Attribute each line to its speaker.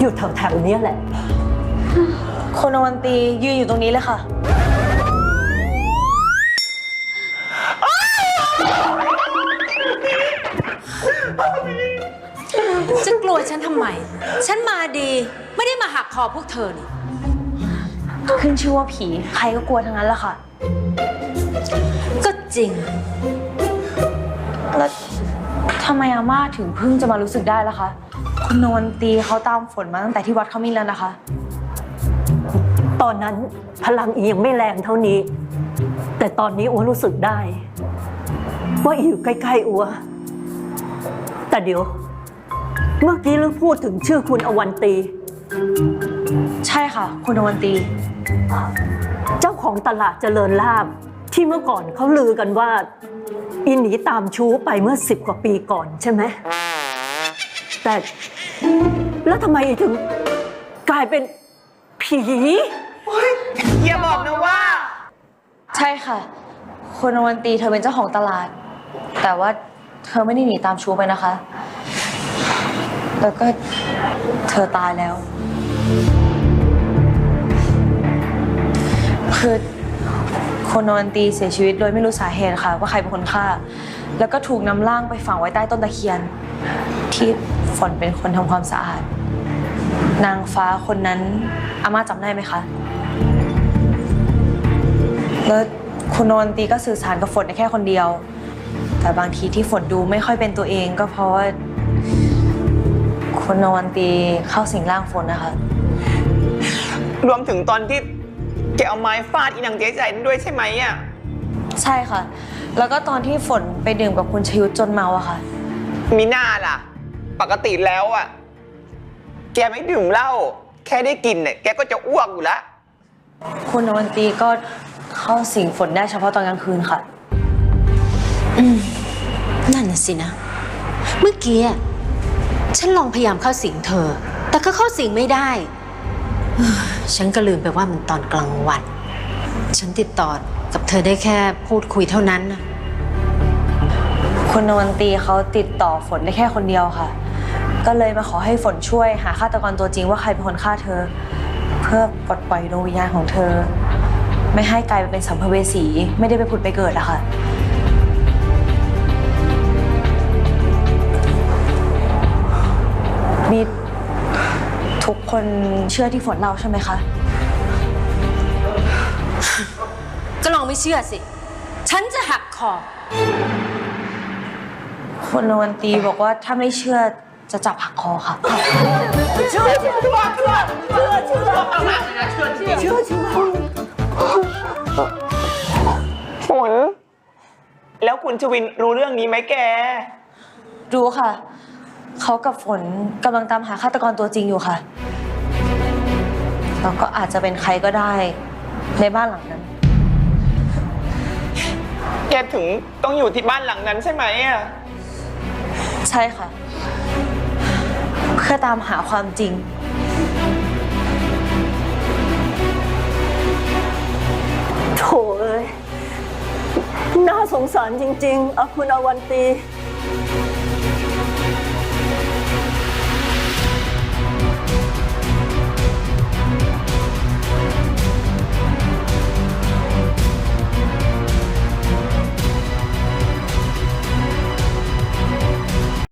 Speaker 1: อยู่แถวๆนี้แหละ
Speaker 2: คุณอวันตียืนอยู่ตรงนี้เลยค่ะ
Speaker 3: จะกลัวฉันทำไมฉันมาดีไม่ได้มาหักคอพวกเธอนี่
Speaker 2: ขึ้นชื่อว่าผีใครก็กลัวทั้งนั้นแหละค่ะ
Speaker 3: ก็จริง
Speaker 2: แล้วทำไมอาม่าถึงเพิ่งจะมารู้สึกได้ล่ะคะคุณนวลตีเขาตามฝนมาตั้งแต่ที่วัดเขามีแล้วนะคะ
Speaker 1: ตอนนั้นพลังอียังไม่แรงเท่านี้แต่ตอนนี้อัวรู้สึกได้ว่าอีอยู่ใกล้ๆอัวแต่เดี๋ยวเมื่อกี้ลือพูดถึงชื่อคุณอวันตี
Speaker 2: ใช่ค่ะคุณอวันตี
Speaker 1: เจ้าของตลาดเจริญลาภที่เมื่อก่อนเขาลือกันว่าอีหนีตามชู้ไปเมื่อ10 กว่าปีก่อนใช่ไหมแต่แล้วทำไมถึงกลายเป็นผี
Speaker 4: อย่าบอกนะว่า
Speaker 2: ใช่ค่ะคุณอวันตีเธอเป็นเจ้าของตลาดแต่ว่าเธอไม่ได้หนีตามชู้ไปนะคะแล้วก็เธอตายแล้วคือคุณอวันตีเสียชีวิตโดยไม่รู้สาเหตุค่ะว่าใครเป็นคนฆ่าแล้วก็ถูกนำร่างไปฝังไว้ใต้ต้นตะเคียนที่ฝนเป็นคนทำความสะอาดนางฟ้าคนนั้นอาม่าจำได้ไหมคะแล้วคุณนวลตีก็สื่อสารกับฝนได้แค่คนเดียวแต่บางทีที่ฝนดูไม่ค่อยเป็นตัวเองก็เพราะว่าคุณนวลตีเข้าสิงร่างฝนนะคะ
Speaker 4: รวมถึงตอนที่แกเอาไม้ฟาดอีนางเจ๊ใจนั่นด้วยใช่ไหมอ่ะ
Speaker 2: ใช่ค่ะแล้วก็ตอนที่ฝนไปดื่มกับคุณชยุทธจนเมาอะค่ะ
Speaker 4: มีหน้าล่ะปกติแล้วอ่ะแกไม่ดื่มเหล้าแค่ได้กินเนี่ยแกก็จะอ้วกอยู่แล้ว
Speaker 2: คุณนวลตีก็เข้าสิงฝนได้เฉพาะตอนกลางคืนค่ะ
Speaker 3: นั่นน่ะสินะเมื่อกี้ฉันลองพยายามเข้าสิงเธอแต่ก็เข้าสิงไม่ได้ฉันก็ลืมไปว่ามันตอนกลางวันฉันติดต่อกับเธอได้แค่พูดคุยเท่านั้นนะ
Speaker 2: คุณนวลตีเขาติดต่อฝนได้แค่คนเดียวค่ะก็เลยมาขอให้ฝนช่วยหาฆาตกรตัวจริงว่าใครเป็นคนฆ่าเธอเพื่อปลดปล่อยดวงวิญญาณของเธอไม่ให้กลายไปเป็นสัมภเวสีไม่ได้ไปผุดไปเกิดอะค่ะมีทุกคนเชื่อที่ฝนเล่าใช่ไหมคะ
Speaker 3: ก็ลองไม่เชื่อสิฉันจะหักคอ
Speaker 2: คุณนวลตีบอกว่าถ้าไม่เชื่อจะจับหักคอค่ะ
Speaker 4: เชื่อฝนแล้วคุณชวินรู้เรื่องนี้ไหมแก
Speaker 2: รู้ค่ะเขากับฝนกำลังตามหาฆาตกรตัวจริงอยู่ค่ะแล้วก็อาจจะเป็นใครก็ได้ในบ้านหลังนั้น
Speaker 4: แกถึงต้องอยู่ที่บ้านหลังนั้นใช่ไหมอ่ะ
Speaker 2: ใช่ค่ะเพื่อตามหาความจริง
Speaker 1: โถ่เอ้ยน่าสงสารจริงๆคุณอวันตี